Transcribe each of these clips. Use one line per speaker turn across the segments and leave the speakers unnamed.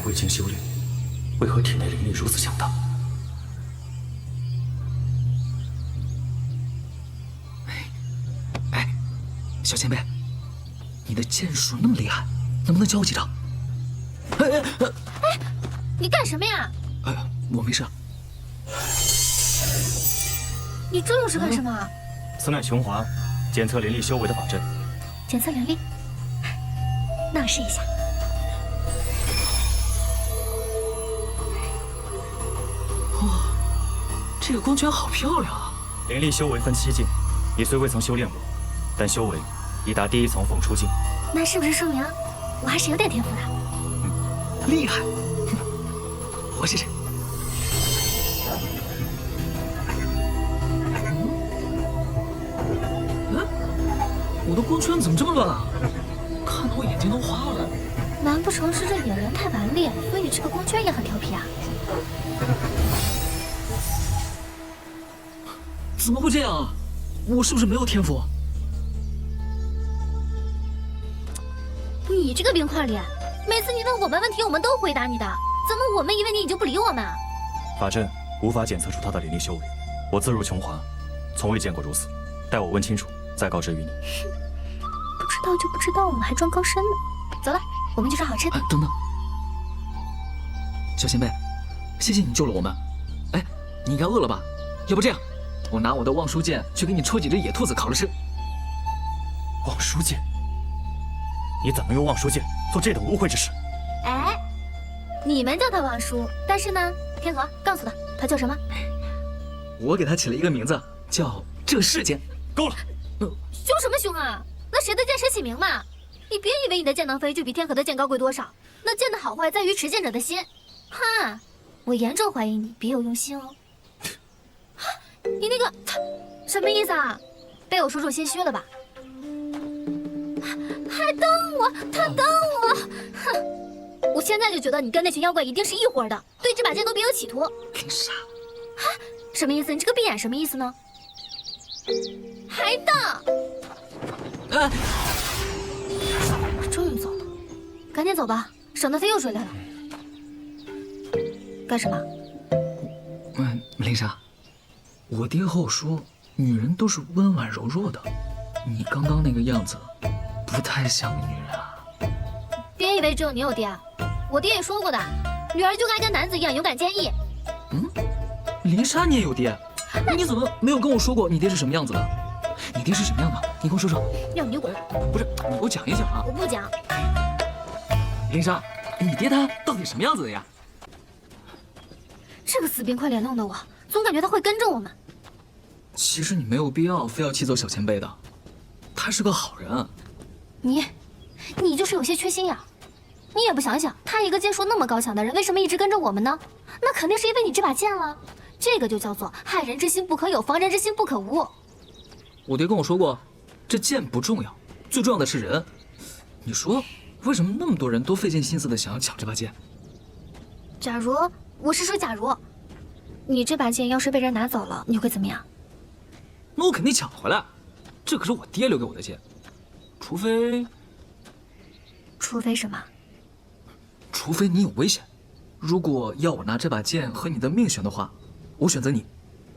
未经修炼，为何体内灵力如此强大？
哎，小前辈，你的剑术那么厉害，能不能教我几招？
哎，你干什么呀？
哎，我没事。
你这又是干什么？
此乃琼华检测灵力修为的法阵。
检测灵力，那我试一下。
哇，这个光圈好漂亮啊！
灵力修为分7境，你虽未曾修炼过，但修为已达第1层凤出境。
那是不是说明我还是有点天赋的？
厉害！我试试。我的光圈怎么这么乱啊？看得我眼睛都花了。
难不成是这野人太顽劣，所以这个光圈也很调皮啊？
怎么会这样啊？我是不是没有天赋？
你这个冰块脸，每次你问我们问题，我们都回答你的，怎么我们一问你你就不理我们？
法阵无法检测出他的灵力修为，我自入琼华，从未见过如此。待我问清楚，再告知于你。
不知道就不知道，我们还装高深呢。走了，我们去找好吃的。
等等，小前辈，谢谢你救了我们。哎，你应该饿了吧？要不这样，我拿我的望舒剑去给你戳几只野兔子烤了吃。
望舒剑？你怎么用望舒剑做这等污秽之事？
哎，你们叫他望舒，但是呢，天河告诉他，他叫什么？
我给他起了一个名字，叫这世剑。
够了！
凶什么凶啊？那谁的剑谁起名嘛？你别以为你的剑能飞就比天河的剑高贵多少，那剑的好坏在于持剑者的心。哈，我严重怀疑你别有用心哦。你那个什么意思啊？被我说中心虚了吧？还瞪我，他瞪我！哼，我现在就觉得你跟那群妖怪一定是一伙的，对这把剑都别有企图。
林莎，
什么意思？你这个闭眼什么意思呢？还瞪！
哎，
终于走了，赶紧走吧，省得他又追来了。干什么？
林莎，我爹和我说，女人都是温婉柔弱的，你刚刚那个样子，不太像个女人啊。
别以为只有你有爹，我爹也说过的，女儿就该跟男子一样勇敢坚毅。
林莎，你也有爹？你怎么没有跟我说过你爹是什么样子的？你爹是什么样的？你跟我说说。
要你滚！
不是，你给我讲一讲啊。
我不讲。
林莎，你爹他到底什么样子的呀？
这个死冰块脸弄的我，总感觉他会跟着我们。
其实你没有必要非要气走小前辈的，他是个好人。
你就是有些缺心眼。你也不想想，他一个剑术那么高强的人，为什么一直跟着我们呢？那肯定是因为你这把剑了。这个就叫做害人之心不可有，防人之心不可无。
我爹跟我说过，这剑不重要，最重要的是人。你说，为什么那么多人都费尽心思的想要抢这把剑？
假如，我是说假如，你这把剑要是被人拿走了，你会怎么样？
那我肯定抢回来，这可是我爹留给我的剑。除非
什么？
除非你有危险。如果要我拿这把剑和你的命悬的话，我选择你。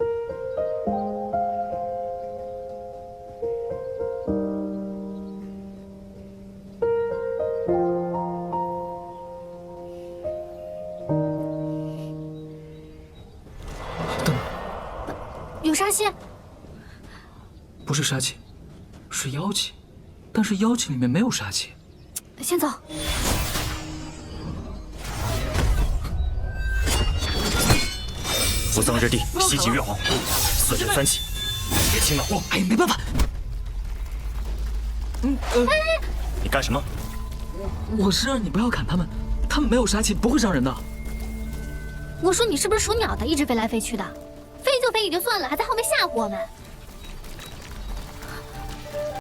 等，
有杀气？
不是杀气，是妖气，但是妖气里面没有杀气。
先走。
扶桑日地，西极月皇，4阵3气，别轻了我。
哎，没办法。
你干什么？
我是让你不要砍他们，他们没有杀气，不会伤人的。
我说你是不是属鸟的，一直飞来飞去的？飞就飞也就算了，还在后面吓唬我们。